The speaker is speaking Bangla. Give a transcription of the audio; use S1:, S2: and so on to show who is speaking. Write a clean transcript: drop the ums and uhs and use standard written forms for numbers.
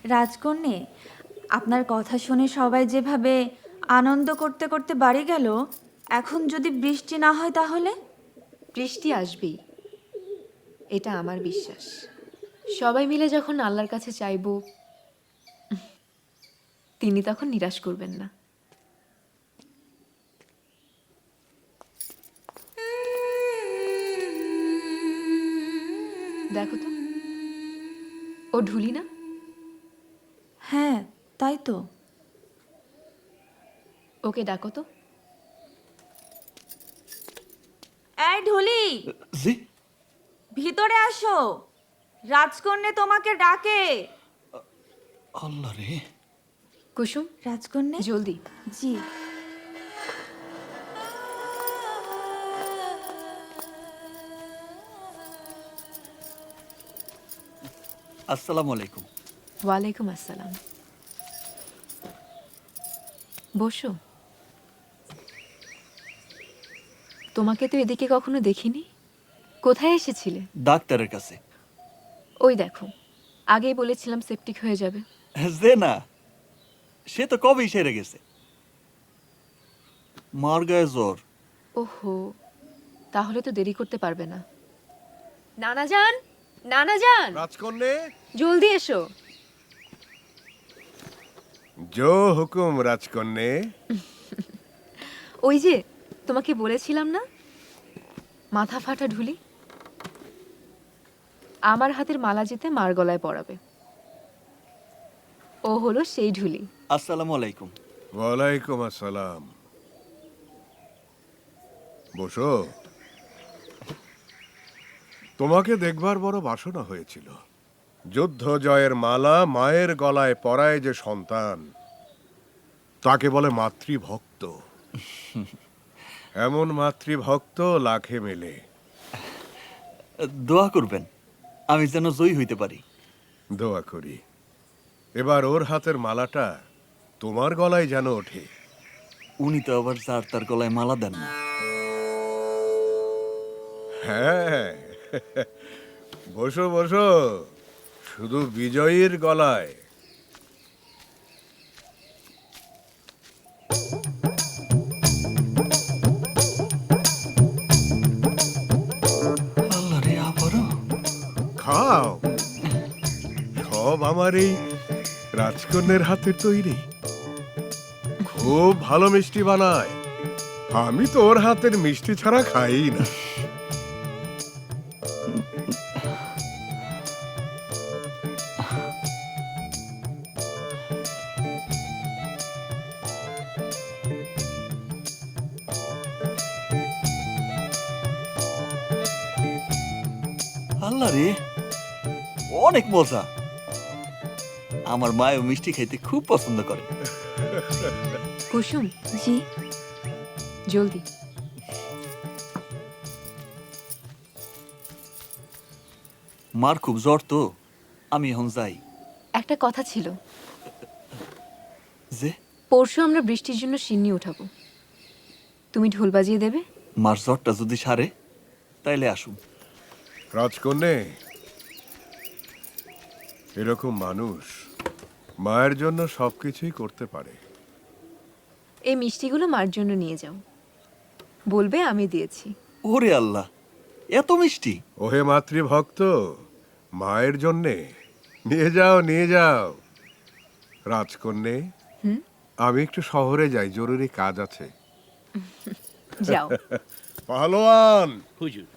S1: রাজকন্যে, আপনার কথা শুনে সবাই যেভাবে আনন্দ করতে করতে বাড়ি গেল, এখন যদি বৃষ্টি না হয় তাহলে?
S2: বৃষ্টি আসবেই, এটা আমার বিশ্বাস। সবাই মিলে যখন আল্লাহর কাছে চাইব, তিনি তখন নিরাশ করবেন না। দেখো তো, ও ঢুলি না?
S1: হ্যাঁ, তাই তো।
S2: ওকে ডাকো তো।
S1: এই ঢুলি,
S3: জি।
S1: ভিতরে আসো, রাজকন্যে তোমাকে ডাকে।
S3: আল্লাহ রে।
S2: কুসুম,
S1: রাজকন্যে।
S2: জলদি।
S1: জি।
S3: আসসালামু আলাইকুম।
S2: ওয়ালাইকুম আসসালাম। বসো। তোমাকে তো এদিকে কখনো দেখিনি। কোথায় এসেছিলে?
S3: ডাক্তারের কাছে।
S2: ওই দেখো, আগেই বলেছিলাম সেপটিক হয়ে যাবে।
S3: যে না, সে তো কবেই সেরে গেছে। মার গায়ে জ্বর।
S2: ওহো, তাহলে তো দেরি করতে পারবে না। নানা যান, নানা যান,
S4: রাজকন্যে,
S2: জলদি এসো।
S4: জো হুকুম রাজকন্যে।
S2: ওই যে তোমাকে বলেছিলাম না, মাথা ফাটা ঢুলি, আমার হাতের মালা যেতে মার গলায় পরাবে। ও হলো সেই ঢুলি।
S3: আসসালামু আলাইকুম।
S4: ওয়ালাইকুম আসসালাম। বসো। তোমাকে দেখবার বড় বাসনা হয়েছিল। যুদ্ধ জয়ের মালা মায়ের গলায় পরায় যে সন্তান, তাকে বলে মাতৃভক্ত। এমন মাতৃভক্ত লাখে মেলে।
S3: দোয়া করবেন আমি যেন জয়ী হইতে পারি।
S4: দোয়া করি এবার ওর হাতের মালাটা তোমার গলায় যেন ওঠে।
S3: উনি তো আবার যার তার গলায় মালা দেন না।
S4: হ্যাঁ, বসো বসো, শুধু বিজয়ীর গলায়।
S3: আল্লাহ রে, আবারও।
S4: খাও, সব আমার এই রাজকন্যের হাতের তৈরি। খুব ভালো মিষ্টি বানায়। আমি তো ওর হাতের মিষ্টি ছাড়া খাই না।
S3: আল্লাহ রে, অনেক মজা। আমার মায়ও মিষ্টি খাইতে খুব পছন্দ করে।
S2: কুসুম,
S1: জি।
S2: জলদি।
S3: মার খুব জ্বর তো, আমি এখন যাই।
S2: একটা কথা ছিল,
S3: যে
S2: পরশু আমরা বৃষ্টির জন্য সিন্নি উঠাবো, তুমি ঢোল বাজিয়ে দেবে।
S3: মার জ্বরটা যদি সারে তাইলে আসুন।
S4: রাজকন্যে, এরকম মানুষ মায়ের জন্য সবকিছুই করতে পারে।
S2: এই মিষ্টিগুলো মার জন্য নিয়ে যাও, বলবে আমি দিয়েছি।
S3: ওরে আল্লাহ, এত মিষ্টি!
S4: ওহে মাতৃভক্ত, মায়ের জন্যে নিয়ে যাও নিয়ে যাও। রাজকন্যে, আমি একটু শহরে যাই, জরুরি কাজ আছে।
S2: যাও।
S4: পাহলোয়ান,
S5: হুজুর।